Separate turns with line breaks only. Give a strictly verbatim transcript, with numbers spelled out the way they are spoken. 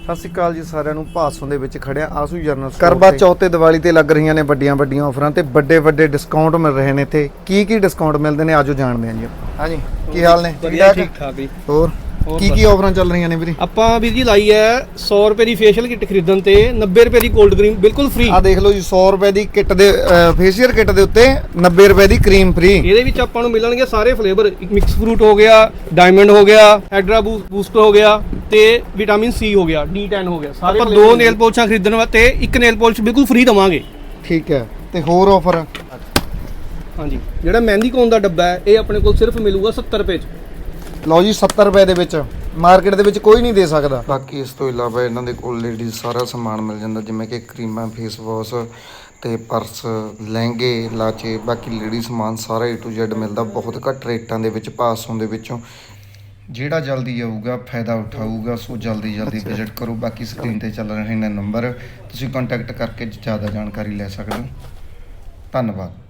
ਸਤਿ ਸ਼੍ਰੀ ਅਕਾਲ ਜੀ ਸਾਰਿਆਂ ਨੂੰ। ਭਾਸੋਂ ਦੇ ਵਿੱਚ ਖੜਿਆ ਆਸੂ ਜਰਨਲ ਕਰਵਾ ਚੌਥ ਤੇ ਦੀਵਾਲੀ ਤੇ ਲੱਗ ਰਹੀਆਂ ਨੇ ਵੱਡੀਆਂ ਵੱਡੀਆਂ ਆਫਰਾਂ ਤੇ ਵੱਡੇ ਵੱਡੇ ਡਿਸਕਾਊਂਟ ਮਿਲ ਰਹੇ ਨੇ ਇੱਥੇ। ਕੀ ਕੀ ਡਿਸਕਾਊਂਟ ਮਿਲਦੇ ਨੇ ਆਜੋ ਜਾਣਦੇ ਹਾਂ ਜੀ ਆਪਾਂ। ਹਾਂਜੀ ਕੀ ਹਾਲ ਨੇ?
ਵਧੀਆ ਠੀਕ ਠਾਕ ਜੀ।
ਹੋਰ ਕੀ ਕੀ ਆਫਰਾਂ ਚੱਲ ਰਹੀਆਂ ਨੇ ਵੀਰੇ?
ਆਪਾਂ ਵੀਰ ਜੀ ਲਾਈ ਹੈ ਸੌ ਰੁਪਏ ਦੀ ਫੇਸ਼ੀਅਲ ਕਿੱਟ ਖਰੀਦਣ ਤੇ ਨੱਬੇ ਰੁਪਏ ਦੀ ਕੋਲਡ ਕਰੀਮ ਬਿਲਕੁਲ ਫ੍ਰੀ।
ਆ ਦੇਖ ਲਓ ਜੀ, ਸੌ ਰੁਪਏ ਦੀ ਕਿੱਟ ਦੇ ਫੇਸ਼ੀਅਲ ਕਿੱਟ ਦੇ ਉੱਤੇ ਨੱਬੇ ਰੁਪਏ ਦੀ ਕਰੀਮ ਫ੍ਰੀ।
ਇਹਦੇ ਵਿੱਚ ਆਪਾਂ ਨੂੰ ਮਿਲਣਗੇ ਸਾਰੇ ਫਲੇਵਰ, ਮਿਕਸ ਫਰੂਟ ਹੋ ਗਿਆ, ਡਾਇਮੰਡ ਹੋ ਗਿਆ, ਹਾਈਡਰਾ ਬੂਸਟ ਹੋ ਗਿਆ ਤੇ ਵਿਟਾਮਿਨ ਸੀ ਹੋ ਗਿਆ, ਡੀ ਟੈਨ ਹੋ ਗਿਆ। ਸਾਰੇ ਆਪਾਂ ਦੋ ਨੇਲ ਪੋਲਿਸ਼ਾਂ ਖਰੀਦਣ ਵਾਸਤੇ ਇੱਕ ਨੇਲ ਪੋਲਿਸ਼ ਬਿਲਕੁਲ ਫ੍ਰੀ ਦਵਾਂਗੇ।
ਠੀਕ ਹੈ। ਤੇ ਹੋਰ ਆਫਰ?
ਹਾਂਜੀ, ਜਿਹੜਾ ਮਹਿੰਦੀ ਕੋਨ ਦਾ ਡੱਬਾ ਹੈ ਇਹ ਆਪਣੇ ਕੋਲ ਸਿਰਫ ਮਿਲੂਗਾ ਸੱਤਰ ਰੁਪਏ ਚ।
ਲਓ ਜੀ, ਸੱਤਰ ਰੁਪਏ ਦੇ ਵਿੱਚ ਮਾਰਕੀਟ ਦੇ ਵਿੱਚ ਕੋਈ ਨਹੀਂ ਦੇ ਸਕਦਾ। ਬਾਕੀ ਇਸ ਤੋਂ ਇਲਾਵਾ ਇਹਨਾਂ ਦੇ ਕੋਲ ਲੇਡੀਜ਼ ਸਾਰਾ ਸਮਾਨ ਮਿਲ ਜਾਂਦਾ, ਜਿਵੇਂ ਕਿ ਕਰੀਮਾਂ, ਫੇਸ ਵਾਸ਼ ਤੇ ਪਰਸ, ਲਹਿੰਗੇ, ਲਾਚੇ, ਬਾਕੀ ਲੇਡੀ ਸਮਾਨ ਸਾਰਾ ਏ ਟੂ ਜ਼ੈਡ ਮਿਲਦਾ ਬਹੁਤ ਘੱਟ ਰੇਟਾਂ ਦੇ ਵਿੱਚ ਭਾਸੋਂ ਦੇ ਵਿੱਚੋਂ। ਜਿਹੜਾ ਜਲਦੀ ਆਊਗਾ ਫਾਇਦਾ ਉਠਾਊਗਾ, ਸੋ ਜਲਦੀ ਜਲਦੀ ਵਿਜ਼ਿਟ ਕਰੋ। ਬਾਕੀ ਸਕਰੀਨ ਤੇ ਚੱਲ ਰਹੇ ਨੇ ਨੰਬਰ, ਤੁਸੀਂ ਕੰਟੈਕਟ ਕਰਕੇ ਜ਼ਿਆਦਾ ਜਾਣਕਾਰੀ ਲੈ ਸਕਦੇ ਹੋ। ਧੰਨਵਾਦ।